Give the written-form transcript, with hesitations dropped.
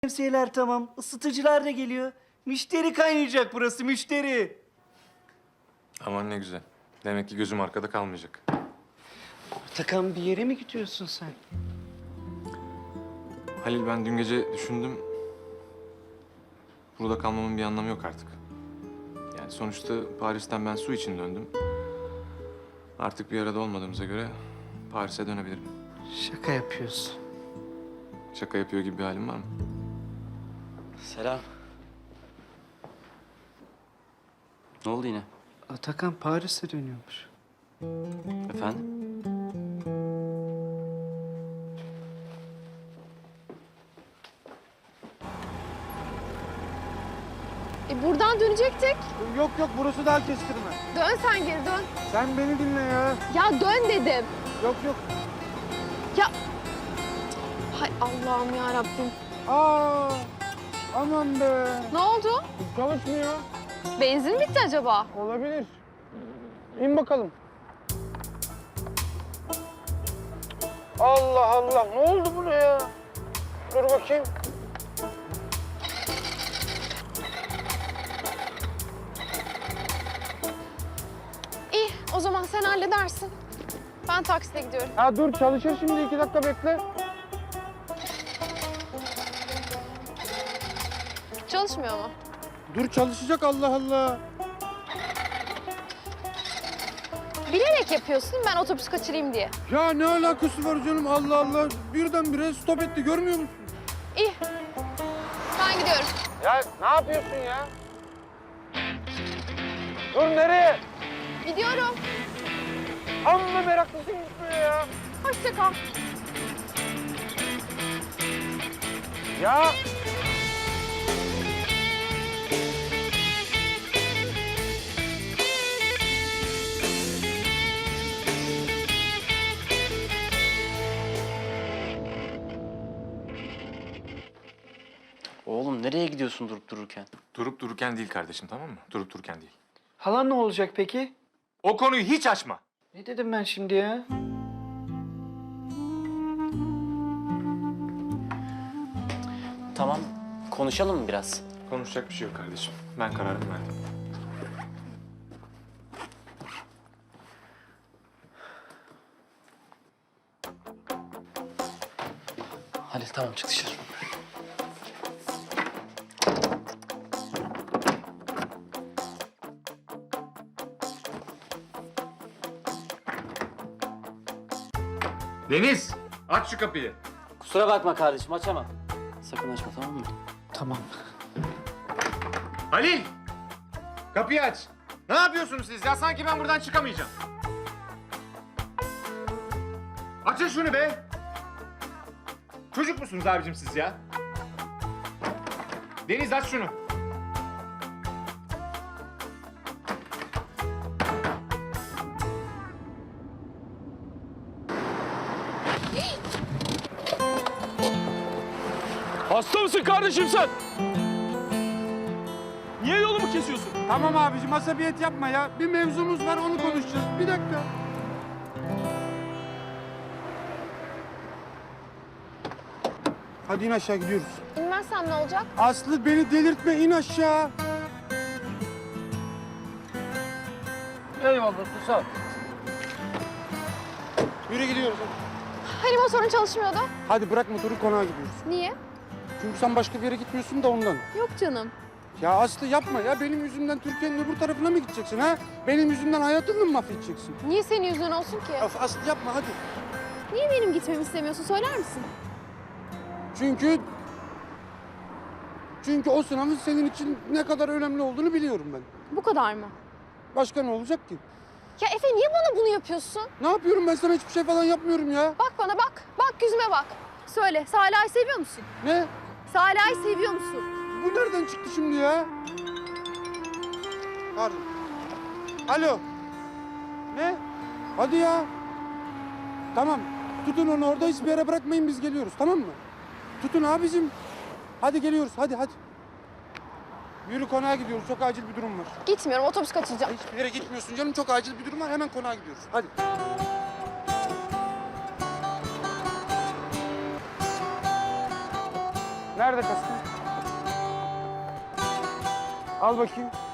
Şemsiyeler tamam, ısıtıcılar da geliyor. Müşteri kaynayacak burası, müşteri. Aman ne güzel. Demek ki gözüm arkada kalmayacak. Atakan, bir yere mi gidiyorsun sen? Halil, ben dün gece düşündüm. Burada kalmamın bir anlamı yok artık. Yani sonuçta Paris'ten ben su için döndüm. Artık bir arada olmadığımıza göre Paris'e dönebilirim. Şaka yapıyorsun. Şaka yapıyor gibi bir halim var mı? Selam. Ne oldu yine? Atakan Paris'e dönüyormuş. Efendim? Buradan dönecektik. Yok yok, burası daha kestirme. Dön sen geri dön. Sen beni dinle ya. Ya dön dedim. Yok yok. Hay Allah'ım ya Rabbim. Aa, aman be. Ne oldu? Çalışmıyor. Benzin bitti acaba? Olabilir. İn bakalım. Allah Allah, ne oldu buna ya? Dur bakayım. İyi, o zaman sen halledersin. Ben takside gidiyorum. Ha dur, çalışır şimdi, 2 dakika bekle. Çalışmıyor mu? Dur, çalışacak, Allah Allah. Bilerek yapıyorsun, ben otobüs kaçırayım diye. Ya ne alakası var canım, Allah Allah. Birdenbire stop etti, görmüyor musun? İyi, ben gidiyorum. Ya ne yapıyorsun ya? Dur, nereye? Gidiyorum. Amma meraklısın gitmeye ya. Hoşça kal. Ya. Oğlum nereye gidiyorsun durup dururken? Durup dururken değil kardeşim, tamam mı? Durup dururken değil. Halan ne olacak peki? O konuyu hiç açma. Ne dedim ben şimdi ya? Tamam, konuşalım mı biraz? Konuşacak bir şey yok kardeşim. Ben kararımı verdim. Halil tamam, çık dışarı. Deniz, aç şu kapıyı. Kusura bakma kardeşim, açamam. Sakın açma, tamam mı? Tamam. Halil! Kapıyı aç. Ne yapıyorsunuz siz ya? Sanki ben buradan çıkamayacağım. Açın şunu be! Çocuk musunuz abicim siz ya? Deniz, aç şunu. Hasta mısın kardeşim sen? Niye yolumu kesiyorsun? Tamam abicim, asabiyet yapma ya. Bir mevzumuz var, onu konuşacağız. Bir dakika. Hadi in aşağı, gidiyoruz. İnmezsem ne olacak? Aslı, beni delirtme, in aşağı. Eyvallah, sağ ol. Yürü, gidiyoruz. Hani motorun çalışmıyordu? Hadi bırak motoru, konağa gidiyoruz. Niye? Çünkü sen başka bir yere gitmiyorsun da ondan. Yok canım. Ya Aslı yapma ya, benim yüzümden Türkiye'nin öbür tarafına mı gideceksin ha? Benim yüzümden hayatını mı mahvedeceksin? Niye senin yüzünden olsun ki? Of Aslı, yapma hadi. Niye benim gitmemi istemiyorsun, söyler misin? Çünkü o sınavın senin için ne kadar önemli olduğunu biliyorum ben. Bu kadar mı? Başka ne olacak ki? Ya Efe, niye bana bunu yapıyorsun? Ne yapıyorum, ben sana hiçbir şey falan yapmıyorum ya. Bak bana, bak. Bak yüzüme bak. Söyle, Salih'i seviyor musun? Ne? Salih'i seviyor musun? Bu nereden çıktı şimdi ya? Pardon. Alo. Ne? Hadi ya. Tamam. Tutun onu orada, hiçbir yere bırakmayın, biz geliyoruz, tamam mı? Tutun abicim. Hadi geliyoruz, hadi hadi. Yürü, konağa gidiyoruz, çok acil bir durum var. Gitmiyorum, otobüs kaçıracağım. Hiçbir yere gitmiyorsun canım, çok acil bir durum var, hemen konağa gidiyoruz. Hadi. Nerede kaskın? Al bakayım.